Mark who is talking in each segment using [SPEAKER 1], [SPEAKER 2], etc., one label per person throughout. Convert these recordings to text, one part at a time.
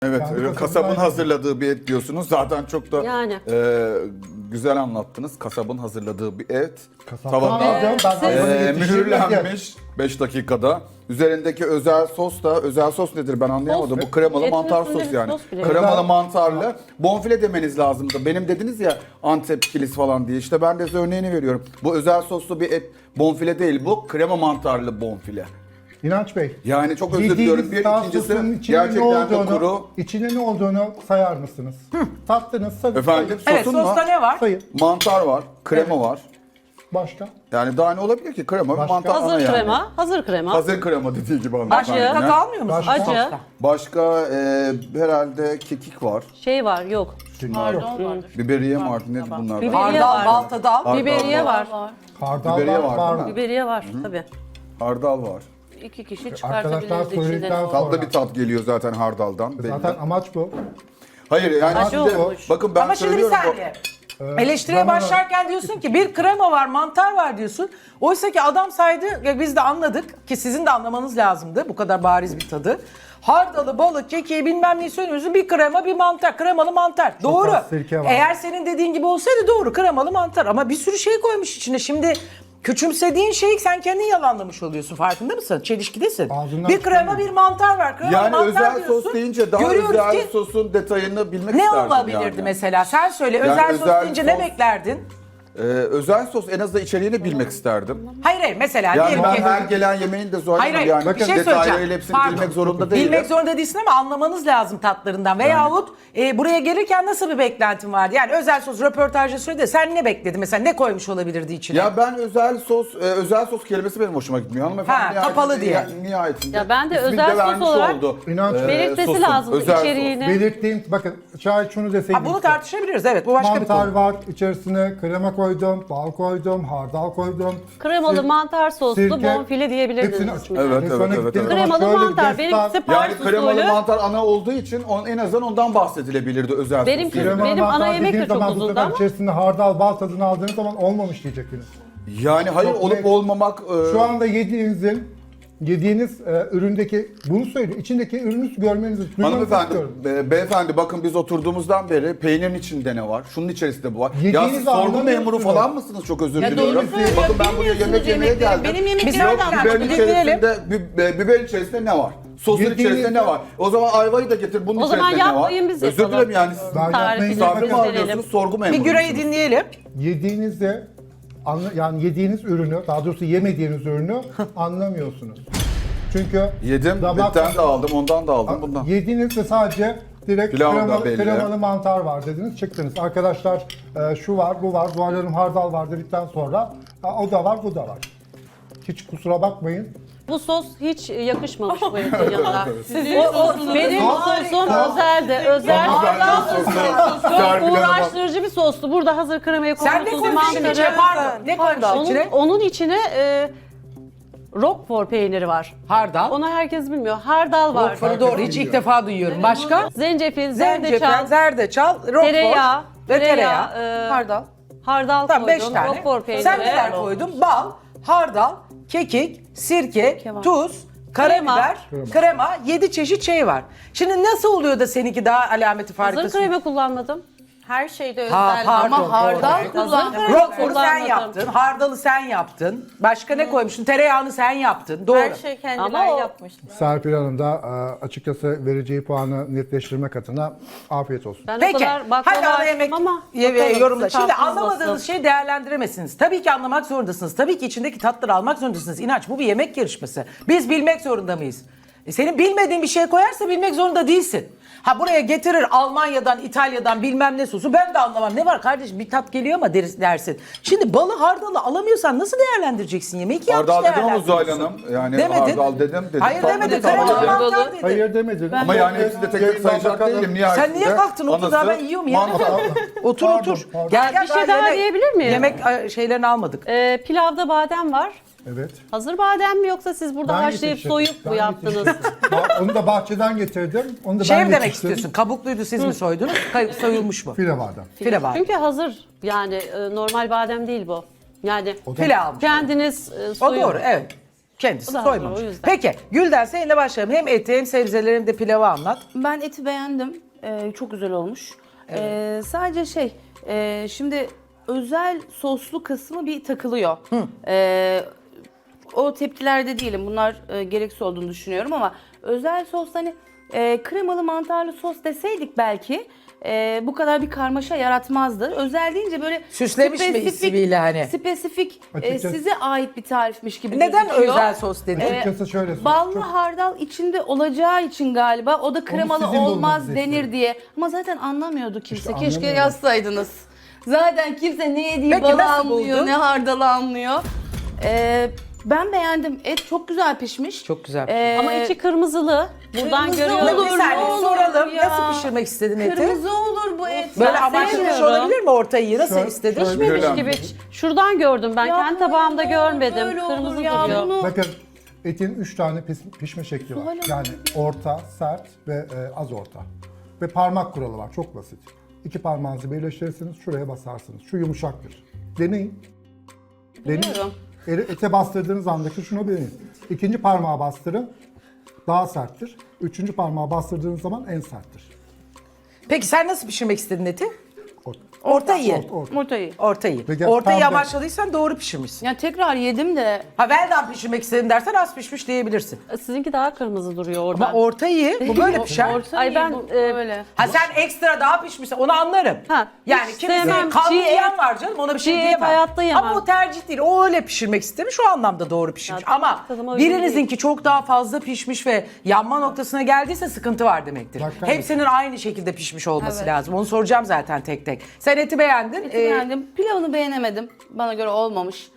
[SPEAKER 1] Evet,
[SPEAKER 2] Kendi
[SPEAKER 1] kasabın
[SPEAKER 2] kasabından-
[SPEAKER 1] hazırladığı bir et diyorsunuz. Zaten çok da
[SPEAKER 3] Yani.
[SPEAKER 1] güzel anlattınız. Kasabın hazırladığı bir et.
[SPEAKER 2] Kasaptan
[SPEAKER 1] Tavada
[SPEAKER 2] aldım. Ben hayvanı yetiştirdim diye.
[SPEAKER 1] mühürlenmiş 5 dakikada. Üzerindeki özel sos da, özel sos nedir ben anlayamadım.
[SPEAKER 3] Sos.
[SPEAKER 1] Bu kremalı
[SPEAKER 3] Etin
[SPEAKER 1] mantar
[SPEAKER 3] üstünde
[SPEAKER 1] sos
[SPEAKER 3] bir
[SPEAKER 1] yani.
[SPEAKER 3] sos bile.
[SPEAKER 1] Kremalı
[SPEAKER 2] Özel-
[SPEAKER 1] mantarlı. Bonfile demeniz lazımdı. Benim dediniz ya Antep kilis falan diye. İşte ben de size örneğini veriyorum. Bu özel soslu bir et. Bonfile değil bu. Krema mantarlı bonfile.
[SPEAKER 2] İnanç Bey.
[SPEAKER 1] Yani çok özür
[SPEAKER 2] yediğiniz
[SPEAKER 1] diliyorum. Bir
[SPEAKER 2] tavuk
[SPEAKER 1] ikincisi
[SPEAKER 2] sosunun içinde
[SPEAKER 1] gerçekten de kuru.
[SPEAKER 2] İçinde ne olduğunu sayar mısınız? Tattınız, sayın.
[SPEAKER 1] Efendim
[SPEAKER 4] Evet,
[SPEAKER 1] sosun
[SPEAKER 4] sosta
[SPEAKER 1] var.
[SPEAKER 4] ne var?
[SPEAKER 2] Sayın.
[SPEAKER 1] Mantar var, krema var.
[SPEAKER 2] Başka?
[SPEAKER 1] Yani daha ne olabilir ki? Krema ve
[SPEAKER 2] Başka?
[SPEAKER 1] mantar ana
[SPEAKER 3] Hazır
[SPEAKER 1] yani.
[SPEAKER 3] krema, hazır krema.
[SPEAKER 1] Hazır krema dediği gibi
[SPEAKER 4] Başka
[SPEAKER 1] hanımefendi.
[SPEAKER 4] tat almıyor musun?
[SPEAKER 2] Başka?
[SPEAKER 3] Acı.
[SPEAKER 4] sosta?
[SPEAKER 1] Başka herhalde kekik var.
[SPEAKER 3] Şey var, yok.
[SPEAKER 5] Pardon vardır.
[SPEAKER 1] Biberiye mi artık nedir bunlar?
[SPEAKER 3] Biberiye
[SPEAKER 4] Hardal,
[SPEAKER 3] var.
[SPEAKER 4] baltadal.
[SPEAKER 1] Hardal
[SPEAKER 3] Biberiye var.
[SPEAKER 2] Hardal
[SPEAKER 1] Biberiye
[SPEAKER 2] var.
[SPEAKER 1] var, değil mi?
[SPEAKER 3] Biberiye var tabii.
[SPEAKER 1] Hardal var.
[SPEAKER 3] 2 kişi
[SPEAKER 2] Arkadaşlar
[SPEAKER 3] çıkartabiliriz içinden.
[SPEAKER 2] söyledikten
[SPEAKER 3] o.
[SPEAKER 1] Tatlı bir tat geliyor zaten hardaldan. belli.
[SPEAKER 2] Zaten amaç bu.
[SPEAKER 1] Hayır yani
[SPEAKER 3] Acı
[SPEAKER 1] şimdi
[SPEAKER 3] olmuş.
[SPEAKER 1] bakın ben
[SPEAKER 4] Ama şimdi bir
[SPEAKER 1] söylüyorum.
[SPEAKER 4] saniye. Eleştiriye
[SPEAKER 2] zaman-
[SPEAKER 4] başlarken diyorsun ki bir krema var, mantar var diyorsun. Oysa ki adam saydı, ya biz de anladık ki sizin de anlamanız lazımdı bu kadar bariz bir tadı. Hardalı, balık, kekiği bilmem neyi söylüyorsun. Bir krema, bir mantar. Kremalı mantar. Doğru.
[SPEAKER 2] az sirke var.
[SPEAKER 4] Eğer senin dediğin gibi olsaydı doğru. Kremalı mantar. Ama bir sürü şey koymuş içine. Şimdi küçümsediğin şeyi sen kendin yalanlamış oluyorsun. Farkında mısın? Çelişkidesin.
[SPEAKER 2] Ağzından
[SPEAKER 4] Bir krema,
[SPEAKER 2] çıkıyor.
[SPEAKER 4] bir mantar var. Kremalı
[SPEAKER 1] Yani
[SPEAKER 4] mantar
[SPEAKER 1] özel
[SPEAKER 4] diyorsun.
[SPEAKER 1] sos deyince daha
[SPEAKER 4] Görüyoruz
[SPEAKER 1] özel
[SPEAKER 4] ki
[SPEAKER 1] sosun detayını bilmek
[SPEAKER 4] ne
[SPEAKER 1] isterdim
[SPEAKER 4] olabilirdi
[SPEAKER 1] yani.
[SPEAKER 4] mesela? Sen söyle.
[SPEAKER 1] Yani
[SPEAKER 4] özel sos
[SPEAKER 1] özel
[SPEAKER 4] deyince ne
[SPEAKER 1] sos-
[SPEAKER 4] beklerdin?
[SPEAKER 1] Özel sos en azından içeriğini bilmek isterdim.
[SPEAKER 4] Hayır mesela
[SPEAKER 1] Yani
[SPEAKER 4] diyelim
[SPEAKER 1] ben
[SPEAKER 4] ki...
[SPEAKER 1] her gelen yemeğin de Zuhal
[SPEAKER 4] Hayır
[SPEAKER 1] Hanım
[SPEAKER 4] hayır
[SPEAKER 1] yani
[SPEAKER 4] bir şey söyleyeceğim.
[SPEAKER 1] detaylarıyla hepsini
[SPEAKER 4] Pardon.
[SPEAKER 1] bilmek zorunda değilim.
[SPEAKER 4] Bilmek zorunda değilsin ama anlamanız lazım tatlarından. Veyahut buraya gelirken nasıl bir beklentin vardı? Yani özel sos röportajda söyledi. Sen ne bekledin mesela? Ne koymuş olabilirdi içine?
[SPEAKER 1] Ya ben özel sos kelimesi benim hoşuma gitmiyor. Hanımefendi
[SPEAKER 4] Ha,
[SPEAKER 1] nihayetinde-
[SPEAKER 4] kapalı diye.
[SPEAKER 1] Nihayetinde.
[SPEAKER 3] Ya ben de
[SPEAKER 1] ismini
[SPEAKER 3] özel sos
[SPEAKER 1] vermiş
[SPEAKER 3] olarak
[SPEAKER 1] oldu.
[SPEAKER 2] İnanç
[SPEAKER 3] belirtmesi
[SPEAKER 1] sosun,
[SPEAKER 3] lazım
[SPEAKER 1] özel sos.
[SPEAKER 3] içeriğini.
[SPEAKER 2] Belirttiğim, bakın şayet şunu deseydim.
[SPEAKER 4] Ha, bunu tartışabiliriz evet bu başka bir
[SPEAKER 2] Mantar
[SPEAKER 4] konu.
[SPEAKER 2] var, içerisine krema koydum, bal koydum, hardal koydum.
[SPEAKER 3] Kremalı
[SPEAKER 2] Sir-
[SPEAKER 3] mantar soslu
[SPEAKER 2] sirke,
[SPEAKER 3] bonfile diyebilirdiniz
[SPEAKER 2] hepsini
[SPEAKER 3] ismini.
[SPEAKER 1] Evet,
[SPEAKER 2] Ve sonra
[SPEAKER 1] evet,
[SPEAKER 2] gittiğim
[SPEAKER 1] evet.
[SPEAKER 2] zaman
[SPEAKER 3] Kremalı
[SPEAKER 2] şöyle bir
[SPEAKER 3] mantar.
[SPEAKER 2] destan-
[SPEAKER 3] Benimkisi
[SPEAKER 1] Yani
[SPEAKER 3] Paris
[SPEAKER 1] kremalı
[SPEAKER 3] usulü.
[SPEAKER 1] mantar ana olduğu için en azından ondan bahsedilebilirdi özel
[SPEAKER 3] Benimki-
[SPEAKER 1] sos. yerine.
[SPEAKER 2] Kremalı
[SPEAKER 3] Benim ana
[SPEAKER 2] mantar
[SPEAKER 3] yemek de
[SPEAKER 2] dediğiniz
[SPEAKER 3] çok
[SPEAKER 2] zaman bu
[SPEAKER 3] uzundu
[SPEAKER 2] sefer
[SPEAKER 3] ama.
[SPEAKER 2] içerisinde hardal, bal tadını aldığınız zaman olmamış diyeceksiniz.
[SPEAKER 1] Yani hayır
[SPEAKER 2] Çok
[SPEAKER 1] olup
[SPEAKER 2] net.
[SPEAKER 1] olmamak
[SPEAKER 2] Şu anda yediğiniz üründeki, bunu söylüyor, içindeki ürünü görmenizi, duymanızı
[SPEAKER 1] hanımefendi,
[SPEAKER 2] istiyorum.
[SPEAKER 1] beyefendi bakın biz oturduğumuzdan beri peynirin içinde ne var? Şunun içerisinde bu var. Ya
[SPEAKER 2] Yediğinizi
[SPEAKER 1] siz sorgu
[SPEAKER 2] anlamıyorsunuz.
[SPEAKER 1] memuru falan mısınız? Çok özür
[SPEAKER 5] Ya
[SPEAKER 1] diliyorum.
[SPEAKER 5] doğru söylüyor,
[SPEAKER 1] Bakın ben buraya yemek yemeye geldim.
[SPEAKER 5] Benim yemeklerim
[SPEAKER 4] Biz
[SPEAKER 5] nereden
[SPEAKER 4] yok,
[SPEAKER 1] Biberin
[SPEAKER 5] anladın?
[SPEAKER 1] içerisinde, biberin içerisinde ne var? Sosun
[SPEAKER 2] Yediğiniz-
[SPEAKER 1] içerisinde ne var? O zaman ayvayı da getir. Bunun
[SPEAKER 3] O zaman
[SPEAKER 1] içerisinde ne var?
[SPEAKER 3] yapmayın, biz
[SPEAKER 1] Özür
[SPEAKER 3] yapalım.
[SPEAKER 1] dilerim yani siz
[SPEAKER 2] Ben
[SPEAKER 3] Tarifi
[SPEAKER 2] yapmayın,
[SPEAKER 1] misafir mi
[SPEAKER 2] bakın.
[SPEAKER 1] arıyorsunuz? Sorgu memuru
[SPEAKER 4] Bir Güray'ı
[SPEAKER 1] musunuz?
[SPEAKER 4] dinleyelim.
[SPEAKER 2] Yediğinizde, yani yediğiniz ürünü, daha doğrusu yemediğiniz ürünü anlamıyorsunuz. Çünkü
[SPEAKER 1] Yedim,
[SPEAKER 2] damak-
[SPEAKER 1] bitten de aldım, ondan da aldım, bundan.
[SPEAKER 2] Yediğinizde sadece direkt
[SPEAKER 1] Pilav da
[SPEAKER 2] kremalı,
[SPEAKER 1] belli.
[SPEAKER 2] kremalı mantar var dediniz, çıktınız. Arkadaşlar şu var, bu var, Zuhal Hanım hardal var dedikten sonra o da var, bu da var. Hiç kusura bakmayın.
[SPEAKER 3] Bu sos hiç yakışmamış bu etin yanına. Benim sosum özeldi. Özel. Çok uğraştırıcı bir sostu. Burada hazır kremayı
[SPEAKER 4] Sen ne
[SPEAKER 3] koymuşsunuz.
[SPEAKER 4] koymuşsun içine?
[SPEAKER 3] mantarı.
[SPEAKER 4] Pardon. Ne koymuşsun içine?
[SPEAKER 3] Onun içine Roquefort peyniri var.
[SPEAKER 4] Hardal.
[SPEAKER 3] Onu herkes bilmiyor. Hardal var.
[SPEAKER 4] Roquefort'u doğru hiç ilk defa duyuyorum. Başka?
[SPEAKER 3] Zencefil,
[SPEAKER 4] Zencefil,
[SPEAKER 3] zerdeçal,
[SPEAKER 4] zerdeçal, Roquefort
[SPEAKER 3] tereyağı,
[SPEAKER 4] ve tereyağı.
[SPEAKER 3] hardal. Hardal
[SPEAKER 4] Tamam 5
[SPEAKER 3] koydum.
[SPEAKER 4] tane.
[SPEAKER 3] Roquefort peyniri.
[SPEAKER 4] Sen neler koydun? Bal, hardal, kekik, sirke, tuz, karabiber, krema, 7 çeşit şey var. Şimdi nasıl oluyor da seninki daha alameti
[SPEAKER 3] Hazır
[SPEAKER 4] farikası?
[SPEAKER 3] krema kullanmadım.
[SPEAKER 5] Her şeyde
[SPEAKER 4] Ha,
[SPEAKER 5] özel
[SPEAKER 4] pardon,
[SPEAKER 5] ama hardal
[SPEAKER 4] doğru.
[SPEAKER 5] kullan.
[SPEAKER 4] Roquefort'u sen
[SPEAKER 3] kullanmadım.
[SPEAKER 4] yaptın, hardalı sen yaptın. Başka ne koymuştun? Tereyağını sen yaptın. Doğru.
[SPEAKER 5] Her şey kendileri
[SPEAKER 3] Ama o-
[SPEAKER 5] yapmışlar.
[SPEAKER 2] Serpil Hanım da açıkçası vereceği puanı netleştirmek adına afiyet olsun.
[SPEAKER 3] Ben o
[SPEAKER 4] Peki,
[SPEAKER 3] kadar
[SPEAKER 4] hadi
[SPEAKER 3] baklava
[SPEAKER 4] ana
[SPEAKER 3] açtım
[SPEAKER 4] yemek
[SPEAKER 3] ama
[SPEAKER 4] yorumla.
[SPEAKER 3] sizin
[SPEAKER 4] Şimdi
[SPEAKER 3] tatlınız
[SPEAKER 4] anlamadığınız
[SPEAKER 3] nasıl?
[SPEAKER 4] şeyi değerlendiremezsiniz. Tabii ki anlamak zorundasınız. Tabii ki içindeki tatları almak zorundasınız. İnanç bu bir yemek yarışması. Biz bilmek zorunda mıyız? Senin bilmediğin bir şey koyarsa bilmek zorunda değilsin. Ha buraya getirir Almanya'dan, İtalya'dan bilmem ne sosu. Ben de anlamam. Ne var kardeşim bir tat geliyor ama dersin. Şimdi balı hardalı alamıyorsan nasıl değerlendireceksin yemeği ki yanlış
[SPEAKER 1] Hardal dedim ama Zuhal
[SPEAKER 4] değerlendiriyorsun.
[SPEAKER 1] Hanım. Yani
[SPEAKER 4] Demedin.
[SPEAKER 1] hardal dedim.
[SPEAKER 4] Hayır
[SPEAKER 1] Tatlı
[SPEAKER 4] demedi.
[SPEAKER 1] bir tatlı
[SPEAKER 4] Kremalı
[SPEAKER 1] dedim.
[SPEAKER 4] mantar dedi.
[SPEAKER 2] Hayır demediniz.
[SPEAKER 1] Ama yani hepsini de tek tek sayacak değilim. Nihayetinde
[SPEAKER 4] Sen niye kalktın? Otur daha
[SPEAKER 1] anası,
[SPEAKER 4] ben yiyorum ya.
[SPEAKER 1] mantar.
[SPEAKER 4] Otur
[SPEAKER 2] Pardon,
[SPEAKER 4] otur.
[SPEAKER 2] pardon.
[SPEAKER 4] Gel
[SPEAKER 3] Bir şey daha diyebilir miyim?
[SPEAKER 4] Yemek şeylerini almadık.
[SPEAKER 3] Pilavda badem var.
[SPEAKER 2] Evet.
[SPEAKER 3] Hazır badem mi yoksa siz burada
[SPEAKER 2] Ben
[SPEAKER 3] haşlayıp
[SPEAKER 2] yetiştirdim.
[SPEAKER 3] soyup mu
[SPEAKER 2] Ben
[SPEAKER 3] yaptınız?
[SPEAKER 2] yetiştirdim. Onu da bahçeden getirdim. Onu da
[SPEAKER 4] Şey
[SPEAKER 2] ben
[SPEAKER 4] mi demek
[SPEAKER 2] yetiştirdim.
[SPEAKER 4] istiyorsun? Kabukluydu siz mi soydunuz? Soyulmuş mu?
[SPEAKER 2] File badem.
[SPEAKER 4] File var.
[SPEAKER 3] Çünkü hazır. Yani normal badem değil bu. Yani
[SPEAKER 4] File almış.
[SPEAKER 3] kendiniz
[SPEAKER 4] O
[SPEAKER 3] soyun.
[SPEAKER 4] doğru evet. Kendisi
[SPEAKER 3] O da haklı,
[SPEAKER 4] soymamış.
[SPEAKER 3] o yüzden.
[SPEAKER 4] Peki Gülden seninle başlayalım. Hem eti hem sebzeleri hem de pilavı anlat.
[SPEAKER 5] Ben eti beğendim. Çok güzel olmuş. Sadece şimdi özel soslu kısmı bir takılıyor. O tepkilerde değilim. Bunlar gereksiz olduğunu düşünüyorum ama özel sos hani kremalı mantarlı sos deseydik belki bu kadar bir karmaşa yaratmazdı. Özel deyince böyle
[SPEAKER 4] Süslemiş mi ismiyle hani?
[SPEAKER 5] Spesifik
[SPEAKER 2] Açıkçası-
[SPEAKER 5] size aitmiş tarifmiş gibi
[SPEAKER 4] Neden
[SPEAKER 5] gözüküyor.
[SPEAKER 4] özel sos dedin?
[SPEAKER 2] Açıkçası şöyle söyleyeyim.
[SPEAKER 5] Ballı
[SPEAKER 2] Çok-
[SPEAKER 5] hardal içinde olacağı için galiba o da kremalı
[SPEAKER 2] sizin
[SPEAKER 5] olmaz
[SPEAKER 2] bulmanızı
[SPEAKER 5] denir
[SPEAKER 2] istiyorum.
[SPEAKER 5] diye. Ama zaten anlamıyordu kimse.
[SPEAKER 2] İşte
[SPEAKER 5] Keşke
[SPEAKER 2] anlamıyorum.
[SPEAKER 5] yazsaydınız. Zaten kimse ne yediği
[SPEAKER 4] Peki
[SPEAKER 5] balı
[SPEAKER 4] nasıl
[SPEAKER 5] anlıyor,
[SPEAKER 4] buldun?
[SPEAKER 5] ne hardalı anlıyor. Ben beğendim. Et çok güzel pişmiş.
[SPEAKER 4] Çok güzel
[SPEAKER 3] Ama içi kırmızılı. Buradan
[SPEAKER 5] Kırmızı
[SPEAKER 3] görüyorum.
[SPEAKER 5] olur.
[SPEAKER 4] Bir saniye
[SPEAKER 5] olur
[SPEAKER 4] soralım.
[SPEAKER 5] ya.
[SPEAKER 4] Nasıl pişirmek istedin eti?
[SPEAKER 5] Kırmızı olur bu et.
[SPEAKER 4] Böyle
[SPEAKER 5] Ben
[SPEAKER 4] amaçlamış
[SPEAKER 5] sevmiyorum.
[SPEAKER 4] olabilir mi ortayı? Nasıl
[SPEAKER 2] Şöyle-
[SPEAKER 4] istedin?
[SPEAKER 2] şöyle-
[SPEAKER 3] Pişmemiş
[SPEAKER 1] Öyle
[SPEAKER 3] gibi. Şuradan gördüm ben.
[SPEAKER 5] Ya
[SPEAKER 3] Kendi tabağımda
[SPEAKER 5] böyle
[SPEAKER 3] görmedim.
[SPEAKER 5] böyle olur
[SPEAKER 3] Kırmızı
[SPEAKER 5] ya,
[SPEAKER 3] duruyor.
[SPEAKER 5] bunu-
[SPEAKER 2] Bakın etin 3 tane pişme şekli var.
[SPEAKER 5] Zuhal Hanım.
[SPEAKER 2] Yani orta, sert ve az orta. Ve parmak kuralı var. Çok basit. 2 parmağınızı birleştirirsiniz, şuraya basarsınız. Şu yumuşaktır. Deneyin. Deneyin.
[SPEAKER 5] Biliyorum.
[SPEAKER 2] Ete bastırdığınız andaki şunu deneyin. 2. parmağı bastırın. Daha serttir. 3. parmağı bastırdığınız zaman en serttir.
[SPEAKER 4] Peki sen nasıl pişirmek istedin eti?
[SPEAKER 2] Orta.
[SPEAKER 4] Orta iyi.
[SPEAKER 2] Orta.
[SPEAKER 5] Ortayı.
[SPEAKER 4] Ortayı.
[SPEAKER 2] Peki,
[SPEAKER 4] Ortayı
[SPEAKER 2] tam da-
[SPEAKER 4] amaçladıysan doğru pişirmişsin.
[SPEAKER 5] Ya tekrar yedim de
[SPEAKER 4] Ha veldan pişirmek istedim dersen az pişmiş diyebilirsin.
[SPEAKER 3] Sizinki daha kırmızı duruyor orada.
[SPEAKER 4] Ama orta iyi. Bu böyle pişer.
[SPEAKER 3] Ay ben
[SPEAKER 5] böyle.
[SPEAKER 4] Ha sen ekstra daha pişmişsin onu anlarım.
[SPEAKER 3] Ha,
[SPEAKER 4] Yani
[SPEAKER 3] hiç
[SPEAKER 4] kimisi
[SPEAKER 3] sevmem.
[SPEAKER 4] kalın
[SPEAKER 3] Çiğ
[SPEAKER 4] yiyen
[SPEAKER 3] et-
[SPEAKER 4] var canım ona bir şey
[SPEAKER 3] çiğ et
[SPEAKER 4] diyemem.
[SPEAKER 3] hayatta yemem.
[SPEAKER 4] Ama o tercih değil. O öyle pişirmek istemiş o anlamda doğru pişirmiş.
[SPEAKER 3] Ya,
[SPEAKER 4] Ama
[SPEAKER 3] tadıma uygun
[SPEAKER 4] birinizinki çok daha fazla pişmiş ve yanma noktasına geldiyse sıkıntı var demektir.
[SPEAKER 2] Bak,
[SPEAKER 4] Hepsinin aynı şekilde pişmiş olması
[SPEAKER 5] Evet.
[SPEAKER 4] lazım. Onu soracağım zaten tek tek. Sen eti beğendin.
[SPEAKER 5] Eti beğendim. Pilavını beğenemedim. Bana göre olmamış.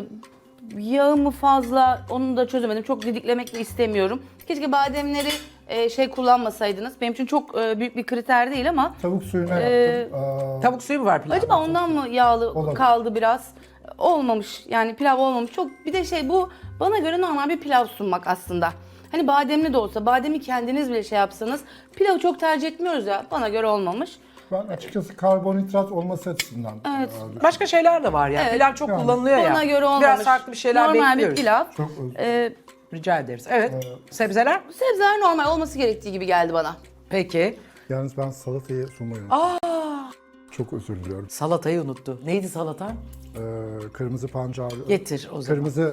[SPEAKER 5] Yağı mı fazla onu da çözemedim. Çok didiklemek de istemiyorum. Keşke bademleri kullanmasaydınız. Benim için çok büyük bir kriter değil ama
[SPEAKER 2] Tavuk suyuna yaptım.
[SPEAKER 4] Tavuk suyu mu var pilavda?
[SPEAKER 5] acaba ondan mı yağlı
[SPEAKER 2] Olabilir.
[SPEAKER 5] kaldı biraz? Olmamış. Yani pilav olmamış. Çok bir de bu bana göre normal bir pilav sunmak aslında. Hani bademli de olsa, bademi kendiniz bile yapsanız pilavı çok tercih etmiyoruz ya. Bana göre olmamış.
[SPEAKER 2] Ben açıkçası karbonhidrat olması açısından
[SPEAKER 5] Evet.
[SPEAKER 4] Başka şeyler de var ya.
[SPEAKER 5] Evet.
[SPEAKER 4] Pilav çok kullanılıyor ya.
[SPEAKER 5] Bana göre olmamış.
[SPEAKER 4] Biraz farklı bir şeyler
[SPEAKER 5] normal
[SPEAKER 4] bekliyoruz.
[SPEAKER 5] bir pilav.
[SPEAKER 2] çok özür
[SPEAKER 4] Rica ederiz. Evet. Sebzeler?
[SPEAKER 5] Sebzeler normal olması gerektiği gibi geldi bana.
[SPEAKER 4] Peki.
[SPEAKER 2] Yalnız ben salatayı sunmayı unuttum. Çok özür diliyorum.
[SPEAKER 4] Salatayı unuttu. Neydi salata?
[SPEAKER 2] Kırmızı pancar.
[SPEAKER 4] Getir o zaman.
[SPEAKER 2] Kırmızı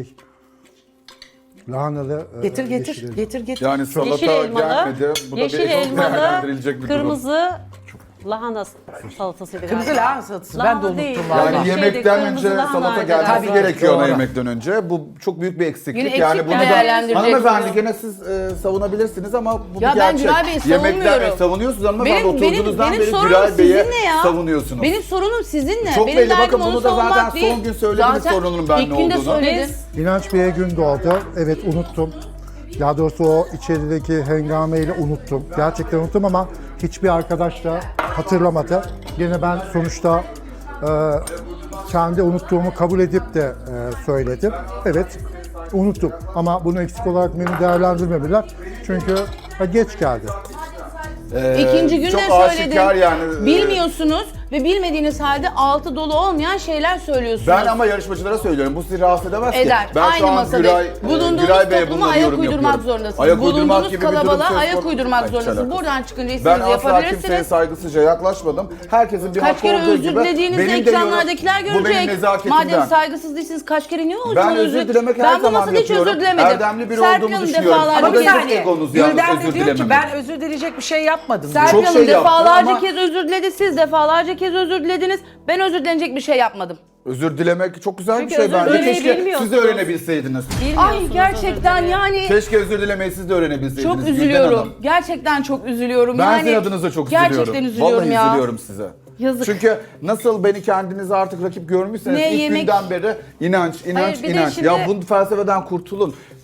[SPEAKER 2] lahanalı
[SPEAKER 4] Getir
[SPEAKER 2] yeşil
[SPEAKER 4] getir.
[SPEAKER 2] elma.
[SPEAKER 4] Getir getir.
[SPEAKER 1] Yani salata
[SPEAKER 3] Yeşil elmalı,
[SPEAKER 1] gelmedi. Bu da
[SPEAKER 3] yeşil
[SPEAKER 1] bir değerlendirilecek
[SPEAKER 3] elmalı,
[SPEAKER 1] bir durum.
[SPEAKER 3] kırmızı lahana salatasıydı
[SPEAKER 4] Kırmızı
[SPEAKER 3] galiba.
[SPEAKER 4] lahana salatası. Ben
[SPEAKER 3] Lahana
[SPEAKER 4] de unuttum
[SPEAKER 3] değil.
[SPEAKER 4] vallahi.
[SPEAKER 1] Yani
[SPEAKER 3] Şeyde,
[SPEAKER 1] yemekten
[SPEAKER 3] kırmızı
[SPEAKER 1] önce
[SPEAKER 3] lahana
[SPEAKER 1] salata
[SPEAKER 3] vardı.
[SPEAKER 1] gelmesi
[SPEAKER 4] Tabii,
[SPEAKER 1] gerekiyor ana
[SPEAKER 4] doğru.
[SPEAKER 1] yemekten önce. Bu çok büyük bir eksiklik.
[SPEAKER 5] Yine
[SPEAKER 1] Yani
[SPEAKER 5] eksik
[SPEAKER 1] bunu da
[SPEAKER 5] değerlendirecek
[SPEAKER 1] hanımefendi
[SPEAKER 5] diyor.
[SPEAKER 1] gene siz savunabilirsiniz ama bu
[SPEAKER 5] Ya
[SPEAKER 1] bir
[SPEAKER 5] ben
[SPEAKER 1] gerçek.
[SPEAKER 5] Güray Bey'i
[SPEAKER 1] Yemekten
[SPEAKER 5] savunmuyorum.
[SPEAKER 1] savunuyorsunuz hanımefendi. Oturduğunuzdan beri
[SPEAKER 5] sorunum
[SPEAKER 1] Güray Bey'e
[SPEAKER 5] sizinle ya.
[SPEAKER 1] savunuyorsunuz.
[SPEAKER 5] Benim sorunum sizinle.
[SPEAKER 1] Çok
[SPEAKER 5] benim
[SPEAKER 1] belli.
[SPEAKER 5] derdim
[SPEAKER 1] Bakın
[SPEAKER 5] onu
[SPEAKER 1] bunu da zaten
[SPEAKER 5] savunmak değil.
[SPEAKER 1] son gün söylediniz
[SPEAKER 5] Zaten
[SPEAKER 1] sorunun ben
[SPEAKER 5] ilk
[SPEAKER 1] ne
[SPEAKER 5] gün de
[SPEAKER 1] olduğunu.
[SPEAKER 5] söyledin.
[SPEAKER 2] İnanç Bey'e gün doğdu. Evet unuttum. Daha doğrusu o içerideki hengameyle unuttum. Gerçekten unuttum ama hiçbir arkadaş da hatırlamadı. Yine ben sonuçta kendi unuttuğumu kabul edip de söyledim. Evet unuttum ama bunu eksik olarak menü değerlendirmediler. Çünkü geç geldi.
[SPEAKER 5] İkinci gün
[SPEAKER 1] çok
[SPEAKER 5] de
[SPEAKER 1] aşikar
[SPEAKER 5] söyledim.
[SPEAKER 1] yani.
[SPEAKER 5] Bilmiyorsunuz ve bilmediğiniz halde altı dolu olmayan şeyler söylüyorsunuz.
[SPEAKER 1] Ben ama yarışmacılara söylüyorum. Bu sizi rahatsız edemez ki.
[SPEAKER 5] Eder.
[SPEAKER 1] Ben
[SPEAKER 5] Aynı
[SPEAKER 1] şu an
[SPEAKER 5] masada.
[SPEAKER 1] Bulundduğunuz
[SPEAKER 5] Bulunduğunuz
[SPEAKER 1] Bey'e
[SPEAKER 5] topluma
[SPEAKER 1] bundan
[SPEAKER 5] ayak
[SPEAKER 1] yorum
[SPEAKER 5] uydurmak
[SPEAKER 1] yapıyorum.
[SPEAKER 5] zorundasınız.
[SPEAKER 1] Ayak uydurmak
[SPEAKER 5] Bulunduğunuz
[SPEAKER 1] gibi bir durum
[SPEAKER 5] kalabalığa
[SPEAKER 1] söz
[SPEAKER 5] ayak
[SPEAKER 1] konusu.
[SPEAKER 5] uydurmak
[SPEAKER 1] Hayır,
[SPEAKER 5] zorundasınız.
[SPEAKER 1] alakası.
[SPEAKER 5] Buradan çıkınca
[SPEAKER 1] Ben
[SPEAKER 5] istediğinizi
[SPEAKER 1] asla kimseye
[SPEAKER 5] yapabilirsiniz.
[SPEAKER 1] saygısızca yaklaşmadım. Herkesin bir
[SPEAKER 5] Kaç
[SPEAKER 1] hakkı
[SPEAKER 5] kere
[SPEAKER 1] olduğu
[SPEAKER 5] özür
[SPEAKER 1] gibi
[SPEAKER 5] dilediğinizde
[SPEAKER 1] benim de yorum-
[SPEAKER 5] ekranlardakiler
[SPEAKER 1] bu benim
[SPEAKER 5] görecek.
[SPEAKER 1] nezaketimden.
[SPEAKER 5] Madem saygısız değilsiniz kaç kere niye o
[SPEAKER 1] Ben
[SPEAKER 5] zaman
[SPEAKER 1] özür dilemek her
[SPEAKER 5] Ben bu
[SPEAKER 1] zaman
[SPEAKER 5] masada hiç
[SPEAKER 1] yapıyorum.
[SPEAKER 5] özür dilemedim.
[SPEAKER 1] Erdemli biri
[SPEAKER 5] Serpil
[SPEAKER 1] olduğumu
[SPEAKER 5] Hanım
[SPEAKER 1] düşünüyorum.
[SPEAKER 5] defalarca
[SPEAKER 4] Ama bir
[SPEAKER 1] Ama
[SPEAKER 5] kez-
[SPEAKER 1] benim
[SPEAKER 4] saniye.
[SPEAKER 1] egonuz yalnız
[SPEAKER 4] Gülden de
[SPEAKER 1] özür
[SPEAKER 4] diyor ki
[SPEAKER 1] dilememek.
[SPEAKER 4] ben özür dileyecek bir şey yapmadım diyor.
[SPEAKER 5] Serpil
[SPEAKER 1] Çok
[SPEAKER 5] Hanım
[SPEAKER 1] şey yaptı
[SPEAKER 5] defalarca
[SPEAKER 1] ama-
[SPEAKER 5] kez özür diledi. Siz defalarca kez özür dilediniz. Ben özür dilenecek bir şey yapmadım.
[SPEAKER 1] Özür dilemek çok güzel
[SPEAKER 3] Çünkü
[SPEAKER 1] bir şey
[SPEAKER 3] özür
[SPEAKER 1] bence.
[SPEAKER 3] dilemeyi
[SPEAKER 1] Keşke siz de
[SPEAKER 3] bilmiyorsunuz.
[SPEAKER 1] öğrenebilseydiniz.
[SPEAKER 5] Ay gerçekten yani
[SPEAKER 1] Keşke özür dilemeyi siz de öğrenebilseydiniz.
[SPEAKER 5] çok
[SPEAKER 1] Gülden
[SPEAKER 5] üzülüyorum.
[SPEAKER 1] Hanım.
[SPEAKER 5] Gerçekten çok üzülüyorum.
[SPEAKER 1] Ben
[SPEAKER 5] yani,
[SPEAKER 1] sizin adınıza çok üzülüyorum.
[SPEAKER 5] Gerçekten üzülüyorum
[SPEAKER 1] Vallahi
[SPEAKER 5] ya.
[SPEAKER 1] üzülüyorum size.
[SPEAKER 5] Yazık.
[SPEAKER 1] Çünkü nasıl beni kendinize artık rakip görmüşseniz
[SPEAKER 5] Ne
[SPEAKER 1] ilk
[SPEAKER 5] yemek-
[SPEAKER 1] günden beri inanç,
[SPEAKER 3] Hayır, bir de
[SPEAKER 1] inanç.
[SPEAKER 3] şimdi-
[SPEAKER 1] Ya bu felsefeden kurtulun.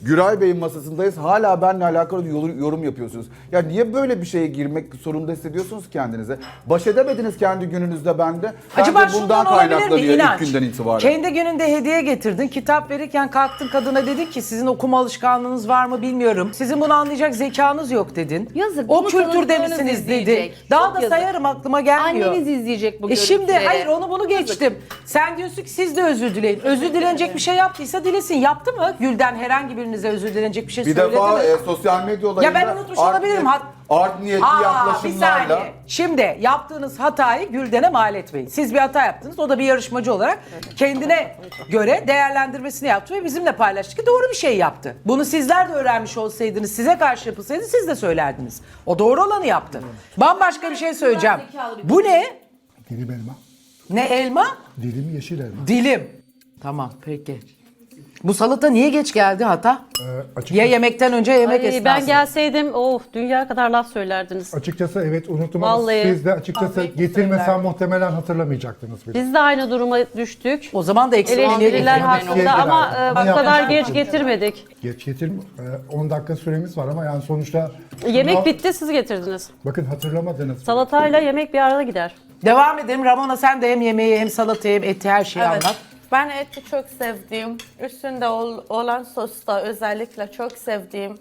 [SPEAKER 1] Güray Bey'in masasındayız. Hala benimle alakalı yorum yapıyorsunuz. Ya niye böyle bir şeye girmek zorunda hissediyorsunuz kendinize? Baş edemediniz kendi gününüzde bende.
[SPEAKER 4] Acaba
[SPEAKER 1] Bence
[SPEAKER 4] şundan olabilir mi
[SPEAKER 1] ilk
[SPEAKER 4] İnanç?
[SPEAKER 1] günden itibaren.
[SPEAKER 4] Kendi gününde hediye getirdin. Kitap verirken kalktın kadına dedin ki sizin okuma alışkanlığınız var mı bilmiyorum. Sizin bunu anlayacak zekanız yok dedin.
[SPEAKER 5] Yazık,
[SPEAKER 4] O
[SPEAKER 5] bunu
[SPEAKER 4] kültürde
[SPEAKER 5] tanıdıklarınız
[SPEAKER 4] misiniz dedin.
[SPEAKER 5] izleyecek.
[SPEAKER 4] Daha
[SPEAKER 5] Çok
[SPEAKER 4] da
[SPEAKER 5] yazık.
[SPEAKER 4] sayarım aklıma gelmiyor.
[SPEAKER 5] Anneniz izleyecek bu
[SPEAKER 4] Şimdi
[SPEAKER 5] görüntüleri.
[SPEAKER 4] hayır onu bunu geçtim. Sen diyorsun ki siz de özür dileyin. Özür dilenecek bir şey yaptıysa dilesin. Yaptı mı? Gülden herhangi birinize özür dilenecek bir şey
[SPEAKER 1] Bir
[SPEAKER 4] söyledi
[SPEAKER 1] defa
[SPEAKER 4] mi?
[SPEAKER 1] sosyal medya olayında
[SPEAKER 4] Ya ben unutmuş olabilirim.
[SPEAKER 1] Art niyetli
[SPEAKER 4] Bir
[SPEAKER 1] yaklaşımlarla.
[SPEAKER 4] saniye. Şimdi yaptığınız hatayı Gülden'e mal etmeyin. Siz bir hata yaptınız. O da bir yarışmacı olarak kendine göre değerlendirmesini yaptı ve bizimle paylaştı ki doğru bir şey yaptı. Bunu sizler de öğrenmiş olsaydınız, size karşı yapılsaydı siz de söylerdiniz. O doğru olanı yaptı. Bambaşka bir şey söyleyeceğim. Bu ne?
[SPEAKER 2] Dilim elma.
[SPEAKER 4] Ne elma?
[SPEAKER 2] Dilim yeşil elma.
[SPEAKER 4] Dilim. Tamam peki. Bu salata niye geç geldi hata?
[SPEAKER 2] Açıkçası,
[SPEAKER 4] Ya yemekten önce ya yemek
[SPEAKER 3] Ay,
[SPEAKER 4] esnasında.
[SPEAKER 3] ben gelseydim dünya kadar laf söylerdiniz.
[SPEAKER 2] açıkçası evet unuttum ama
[SPEAKER 3] Vallahi.
[SPEAKER 2] siz de açıkçası getirmesem muhtemelen hatırlamayacaktınız bile.
[SPEAKER 3] Biz de aynı duruma düştük.
[SPEAKER 4] O zaman da eksik
[SPEAKER 3] Eleştiriler
[SPEAKER 2] Ama
[SPEAKER 3] hakkında
[SPEAKER 2] bir
[SPEAKER 3] ama
[SPEAKER 2] şeyler-
[SPEAKER 3] bu
[SPEAKER 2] Ama
[SPEAKER 3] kadar
[SPEAKER 2] yapmıştık.
[SPEAKER 3] geç getirmedik.
[SPEAKER 2] Geç getir 10 dakika süremiz var ama yani sonuçta
[SPEAKER 3] Yemek
[SPEAKER 2] şunu-
[SPEAKER 3] bitti, siz getirdiniz.
[SPEAKER 2] Bakın hatırlamadınız.
[SPEAKER 3] Salatayla yemek bir arada gider.
[SPEAKER 4] Devam edelim. Ramona sen de hem yemeği hem salatayı hem eti her şeyi
[SPEAKER 6] Evet.
[SPEAKER 4] anlat.
[SPEAKER 6] Ben eti çok sevdiğim, üstünde olan sosta özellikle çok sevdiğim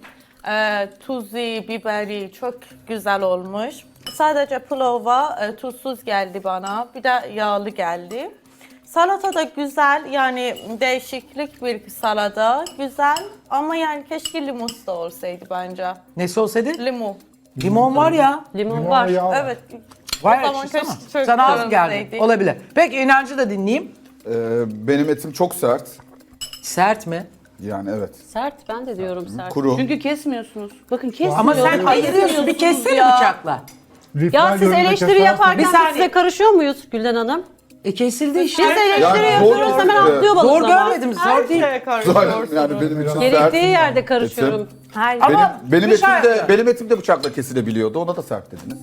[SPEAKER 6] tuzu, biberi çok güzel olmuş. Sadece pilava tuzsuz geldi bana, bir de yağlı geldi. Salata da güzel, yani değişiklik bir salata, güzel ama yani keşke limus da olsaydı bence.
[SPEAKER 4] Nesi olsaydı?
[SPEAKER 6] Limon.
[SPEAKER 4] Limon var ya.
[SPEAKER 3] Limon var.
[SPEAKER 2] Yağ var.
[SPEAKER 6] Evet.
[SPEAKER 4] Var
[SPEAKER 6] O
[SPEAKER 4] ya
[SPEAKER 6] zaman
[SPEAKER 4] işte ama.
[SPEAKER 6] keşke çok
[SPEAKER 4] Sana az
[SPEAKER 6] biraz
[SPEAKER 4] geldi.
[SPEAKER 6] neydi?
[SPEAKER 4] Olabilir. Peki inancı da dinleyeyim.
[SPEAKER 1] Benim etim çok sert.
[SPEAKER 4] Sert mi?
[SPEAKER 1] Yani evet.
[SPEAKER 3] Sert, ben de diyorum sert.
[SPEAKER 1] Kuru.
[SPEAKER 5] Çünkü kesmiyorsunuz. Bakın kesmiyorsunuz.
[SPEAKER 4] Ama sen ayırıyorsun. Bir kessene bıçakla.
[SPEAKER 2] Lütfen
[SPEAKER 3] Ya siz
[SPEAKER 2] yorumda
[SPEAKER 3] eleştiri
[SPEAKER 2] kesersen-
[SPEAKER 3] yaparken
[SPEAKER 4] Bir
[SPEAKER 3] biz
[SPEAKER 4] saniye.
[SPEAKER 3] size karışıyor muyuz Gülden Hanım?
[SPEAKER 4] Kesildi işte.
[SPEAKER 3] Biz eleştiri
[SPEAKER 1] Yani
[SPEAKER 3] yapıyoruz
[SPEAKER 1] zor-
[SPEAKER 3] hemen atlıyor
[SPEAKER 4] Zor
[SPEAKER 3] balıklama.
[SPEAKER 4] görmedim. Zor değil.
[SPEAKER 1] Yani benim için
[SPEAKER 3] Gerektiği
[SPEAKER 1] sert.
[SPEAKER 3] yerde karışıyorum.
[SPEAKER 6] Hayır.
[SPEAKER 4] Ama
[SPEAKER 1] Benim
[SPEAKER 4] bir şey
[SPEAKER 1] etim de bıçakla kesilebiliyordu. Ona da sert dediniz.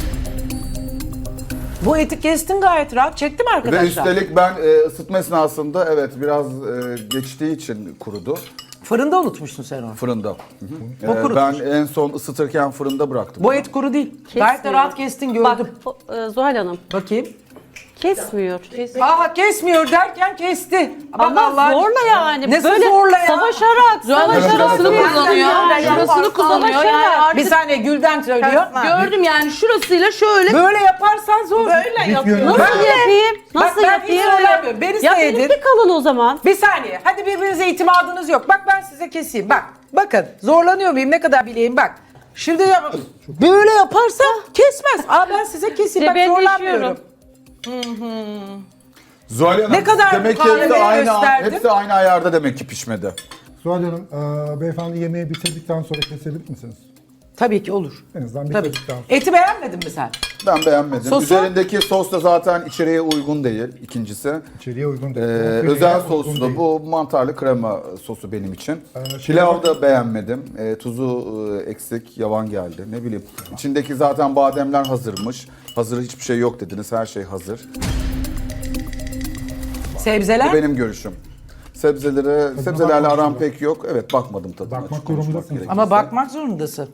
[SPEAKER 4] Bu eti kestin gayet rahat. Çekti mi
[SPEAKER 1] Ve
[SPEAKER 4] arkadaşlar?
[SPEAKER 1] üstelik ben ısıtma esnasında evet biraz geçtiği için kurudu
[SPEAKER 4] Fırında unutmuşsun sen onu.
[SPEAKER 1] fırında. Hı hı.
[SPEAKER 4] O kurutmuş.
[SPEAKER 1] Ben en son ısıtırken fırında bıraktım.
[SPEAKER 4] Bu et kuru değil. Gayet de rahat kestin gördüm.
[SPEAKER 3] Bak Zuhal Hanım
[SPEAKER 4] Bakayım.
[SPEAKER 3] kesmiyor.
[SPEAKER 4] Aha kesmiyor derken kesti. Bak
[SPEAKER 3] Ama
[SPEAKER 4] Allah-
[SPEAKER 3] zorla yani.
[SPEAKER 4] Nesi
[SPEAKER 3] Böyle
[SPEAKER 4] zorla ya?
[SPEAKER 3] savaşarak,
[SPEAKER 5] Şurasını kullanıyor. Şurasını kullanıyor. Yani artık
[SPEAKER 4] Bir saniye Gülden söylüyor.
[SPEAKER 5] gördüm yani şurasıyla şöyle
[SPEAKER 4] Böyle yaparsan zor.
[SPEAKER 6] Böyle yapıyor.
[SPEAKER 3] Nasıl yapayım? Nasıl
[SPEAKER 4] ben hiç
[SPEAKER 3] yapayım?
[SPEAKER 4] söylemiyorum. Beni
[SPEAKER 3] Ya
[SPEAKER 4] seyredin.
[SPEAKER 3] benimki kalın o zaman.
[SPEAKER 4] Bir saniye. Hadi birbirinize itimadınız yok. Bak ben size keseyim. Bak. Bakın. Zorlanıyor muyum? Ne kadar bileyim bak. Şimdi böyle yaparsam kesmez. Aa ben size keseyim. Bak
[SPEAKER 3] Cebelleşiyorum.
[SPEAKER 4] zorlanmıyorum.
[SPEAKER 1] Zuhal Hanım,
[SPEAKER 4] Ne kadar
[SPEAKER 1] demek ki
[SPEAKER 4] mukavemet gösterdim.
[SPEAKER 1] hepsi aynı ayarda demek ki pişmedi.
[SPEAKER 2] Zuhal Hanım, beyefendi yemeği bitirdikten sonra kesebilir misiniz?
[SPEAKER 4] Tabii ki olur.
[SPEAKER 2] En azından
[SPEAKER 4] Tabii.
[SPEAKER 2] bitirdikten sonra.
[SPEAKER 4] Eti beğenmedin mi sen?
[SPEAKER 1] Ben beğenmedim.
[SPEAKER 4] Sosu?
[SPEAKER 1] Üzerindeki sos da zaten içeriye uygun değil ikincisi.
[SPEAKER 2] İçeriye uygun değil.
[SPEAKER 1] Özel
[SPEAKER 2] Uygun
[SPEAKER 1] soslu
[SPEAKER 2] değil.
[SPEAKER 1] bu mantarlı krema sosu benim için.
[SPEAKER 2] şey
[SPEAKER 1] Pilav da beğenmedim. Tuzu eksik, yavan geldi. Ne bileyim. İçindeki zaten bademler hazırmış. Hazır hiçbir şey yok dediniz. Her şey hazır.
[SPEAKER 4] Sebzeler?
[SPEAKER 1] Bu benim görüşüm. Sebzelerle aram pek yok. Evet bakmadım tadına.
[SPEAKER 2] Bakmak
[SPEAKER 1] açık konuşmak
[SPEAKER 2] durumundasınız.
[SPEAKER 1] gerekirse.
[SPEAKER 4] Ama bakmak zorundasın.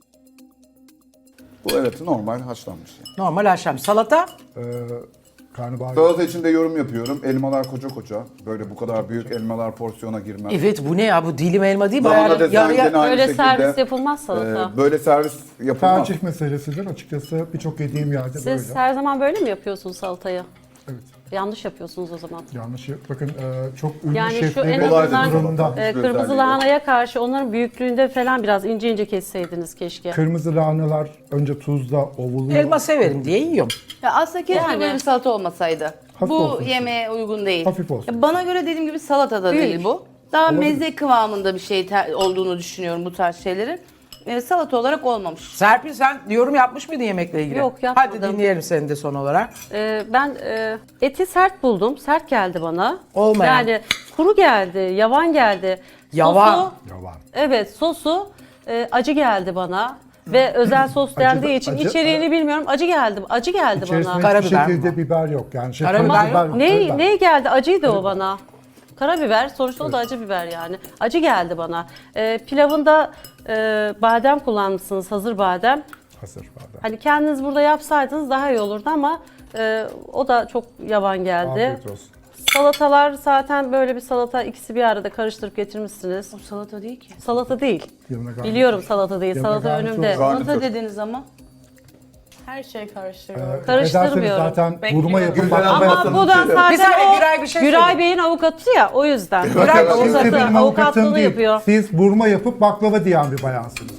[SPEAKER 1] Bu evet normal haşlanmış. Yani.
[SPEAKER 4] Normal haşlam. Salata?
[SPEAKER 2] Karnabahar.
[SPEAKER 1] Salata içinde yorum yapıyorum. Elmalar koca koca. Böyle bu kadar büyük elmalar porsiyona girmez.
[SPEAKER 4] Evet bu ne ya? Bu dilim elma değil.
[SPEAKER 1] Lahana
[SPEAKER 4] Bayağı
[SPEAKER 1] desenli
[SPEAKER 4] yarıya...
[SPEAKER 1] aynı
[SPEAKER 3] Öyle
[SPEAKER 1] şekilde.
[SPEAKER 3] servis yapılmaz salata.
[SPEAKER 1] Böyle servis yapılmaz.
[SPEAKER 2] Tercih meselesidir açıkçası. Birçok yediğim yerde
[SPEAKER 3] Siz
[SPEAKER 2] böyle.
[SPEAKER 3] her zaman böyle mi yapıyorsunuz salatayı?
[SPEAKER 2] Evet.
[SPEAKER 3] Yanlış yapıyorsunuz o zaman.
[SPEAKER 2] Yanlış. Bakın çok ünlü
[SPEAKER 3] Yani şu
[SPEAKER 2] şeflerin
[SPEAKER 3] en
[SPEAKER 1] Kolay
[SPEAKER 3] azından
[SPEAKER 2] durumunda.
[SPEAKER 3] kırmızı
[SPEAKER 1] özelliği
[SPEAKER 3] lahanaya karşı onların büyüklüğünde falan biraz ince ince kesseydiniz keşke.
[SPEAKER 2] Kırmızı lahanalar önce tuzda ovuluyor.
[SPEAKER 4] Elma severim diye yiyorum.
[SPEAKER 5] Ya aslında keşke
[SPEAKER 3] Yani.
[SPEAKER 5] böyle bir salata olmasaydı.
[SPEAKER 2] Hafif
[SPEAKER 5] Bu
[SPEAKER 2] olsun.
[SPEAKER 5] yemeğe uygun değil.
[SPEAKER 2] Hafif olsun.
[SPEAKER 5] Ya bana göre dediğim gibi salata da değil bu. Daha meze kıvamında bir şey olduğunu düşünüyorum bu tarz şeylerin. Salata olarak olmamış.
[SPEAKER 4] Serpil sen yorum yapmış mıydın yemekle ilgili?
[SPEAKER 3] Yok, yapmadım.
[SPEAKER 4] Hadi dinleyelim seni de son olarak.
[SPEAKER 3] Ben eti sert buldum. Sert geldi bana.
[SPEAKER 4] Olmayan.
[SPEAKER 3] Yani kuru geldi, yavan geldi.
[SPEAKER 4] Yavan.
[SPEAKER 3] Sosu,
[SPEAKER 2] Yavan.
[SPEAKER 3] evet sosu acı geldi bana. Ve özel sos dendiği için
[SPEAKER 2] acı-
[SPEAKER 3] içeriğini bilmiyorum. Acı geldi bana.
[SPEAKER 2] İçerisinde hiçbir
[SPEAKER 4] Karabiber mi
[SPEAKER 2] şekilde biber yok. Yani
[SPEAKER 4] Karabiber yok.
[SPEAKER 2] karabiber yok.
[SPEAKER 3] Ne geldi? Acıydı o bana. Karabiber, sonuçta o da acı biber yani. Acı geldi bana. Pilavında badem kullanmışsınız, hazır badem.
[SPEAKER 2] Hazır badem.
[SPEAKER 3] Hani kendiniz burada yapsaydınız daha iyi olurdu ama o da çok yavan geldi.
[SPEAKER 2] Afiyet olsun.
[SPEAKER 3] Salatalar zaten böyle bir salata, ikisi bir arada karıştırıp getirmişsiniz.
[SPEAKER 5] O salata değil ki.
[SPEAKER 3] Salata değil.
[SPEAKER 2] Yanına garnitür.
[SPEAKER 3] Biliyorum salata değil,
[SPEAKER 2] Yanına
[SPEAKER 3] salata
[SPEAKER 2] garnitür.
[SPEAKER 3] önümde.
[SPEAKER 1] Garnitür.
[SPEAKER 5] Salata dediniz ama.
[SPEAKER 6] Her şey karıştırıyorum.
[SPEAKER 3] Karıştırmıyorum.
[SPEAKER 2] Ederseniz zaten vurma yapıp
[SPEAKER 1] Güzel
[SPEAKER 2] baklava
[SPEAKER 1] ama
[SPEAKER 2] yapın.
[SPEAKER 3] Ama bu da
[SPEAKER 4] Bir
[SPEAKER 3] zaten
[SPEAKER 4] saniye,
[SPEAKER 3] o
[SPEAKER 4] Güray bir şey
[SPEAKER 3] Güray
[SPEAKER 4] söyleyeyim.
[SPEAKER 3] Bey'in avukatı ya, o yüzden.
[SPEAKER 4] Güray
[SPEAKER 2] Siz de benim avukatım
[SPEAKER 3] avukatlığını
[SPEAKER 2] değil.
[SPEAKER 3] yapıyor.
[SPEAKER 2] Siz vurma yapıp baklava diyen bir bayansınız.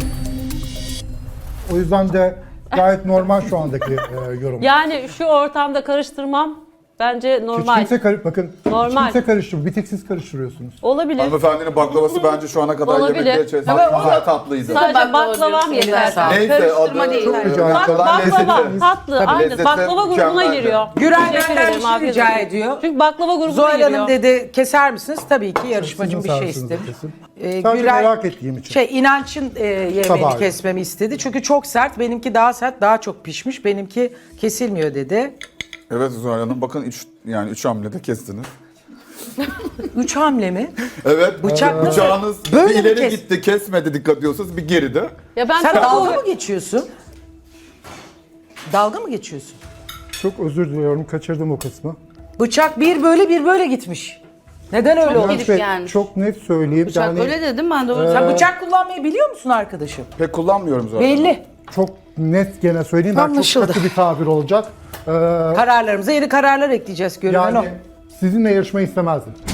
[SPEAKER 2] O yüzden de gayet normal şu andaki yorum.
[SPEAKER 3] Yani şu ortamda karıştırmam bence
[SPEAKER 2] Hiç
[SPEAKER 3] normal.
[SPEAKER 2] kimse bakın
[SPEAKER 3] Normal.
[SPEAKER 2] hiç kimse karıştırmıyor. Bir tek siz karıştırıyorsunuz.
[SPEAKER 3] Olabilir.
[SPEAKER 1] Hanımefendinin baklavası bence şu ana kadar
[SPEAKER 3] Olabilir.
[SPEAKER 1] yemekler içerisinde
[SPEAKER 3] Ama
[SPEAKER 1] güzel tatlıydı.
[SPEAKER 3] Sadece
[SPEAKER 5] Baklava
[SPEAKER 3] baklavam
[SPEAKER 5] diyorsun,
[SPEAKER 3] yeter.
[SPEAKER 5] eline sağlık.
[SPEAKER 1] Neyse
[SPEAKER 5] Karıştırma
[SPEAKER 1] adı
[SPEAKER 5] değil.
[SPEAKER 2] Çok rica ederim.
[SPEAKER 1] Kalan
[SPEAKER 3] Baklava,
[SPEAKER 1] lezzeti.
[SPEAKER 3] tatlı,
[SPEAKER 1] Tabii,
[SPEAKER 3] aynı.
[SPEAKER 1] lezzeti
[SPEAKER 3] Baklava grubuna
[SPEAKER 1] mükemmeldi.
[SPEAKER 3] giriyor.
[SPEAKER 4] Güray
[SPEAKER 3] Teşekkür
[SPEAKER 4] benden
[SPEAKER 3] ederim,
[SPEAKER 4] bir şey
[SPEAKER 3] afiyet
[SPEAKER 4] rica
[SPEAKER 3] olsun.
[SPEAKER 4] ediyor.
[SPEAKER 3] Çünkü baklava grubuna
[SPEAKER 4] Zuhal
[SPEAKER 3] giriyor.
[SPEAKER 4] Hanım dedi keser misiniz? Tabii ki yarışmacım
[SPEAKER 2] Sizin
[SPEAKER 4] bir şey
[SPEAKER 2] servisinizi
[SPEAKER 4] istemiş.
[SPEAKER 2] kesin. Sadece merak ettiğim için.
[SPEAKER 4] İnanç'ın yemeğini
[SPEAKER 2] Tabağı.
[SPEAKER 4] kesmemi istedi. Çünkü çok sert. Benimki daha sert, daha çok pişmiş. Benimki kesilmiyor dedi.
[SPEAKER 1] Evet Zuhal Hanım bakın üç hamlede kestiniz.
[SPEAKER 4] 3 hamle mi?
[SPEAKER 1] Evet.
[SPEAKER 4] Bıçak nasıl?
[SPEAKER 1] Bıçağınız
[SPEAKER 4] Böyle
[SPEAKER 1] bir
[SPEAKER 4] mi
[SPEAKER 1] ileri
[SPEAKER 4] kes-
[SPEAKER 1] gitti kesmedi dikkat ediyorsunuz bir geride.
[SPEAKER 3] Ya ben
[SPEAKER 4] Sen
[SPEAKER 3] çok
[SPEAKER 4] dalga mı geçiyorsun? Dalga mı geçiyorsun?
[SPEAKER 2] Çok özür diliyorum. Kaçırdım o kısmı.
[SPEAKER 4] Bıçak bir böyle gitmiş. Neden öyle oldu?
[SPEAKER 5] gidip gelmiş.
[SPEAKER 2] Çok net söyleyeyim.
[SPEAKER 5] Bıçak
[SPEAKER 2] yani
[SPEAKER 5] öyle dedim ben doğru.
[SPEAKER 4] Sen bıçak kullanmayı biliyor musun arkadaşım?
[SPEAKER 1] Pek kullanmıyorum zaten.
[SPEAKER 4] Belli.
[SPEAKER 2] çok net gene söyleyeyim. Ben
[SPEAKER 4] Anlaşıldı.
[SPEAKER 2] çok katı bir tabir olacak.
[SPEAKER 4] Kararlarımıza yeni kararlar ekleyeceğiz görünen o.
[SPEAKER 2] Yani sizinle yarışmayı istemezdim.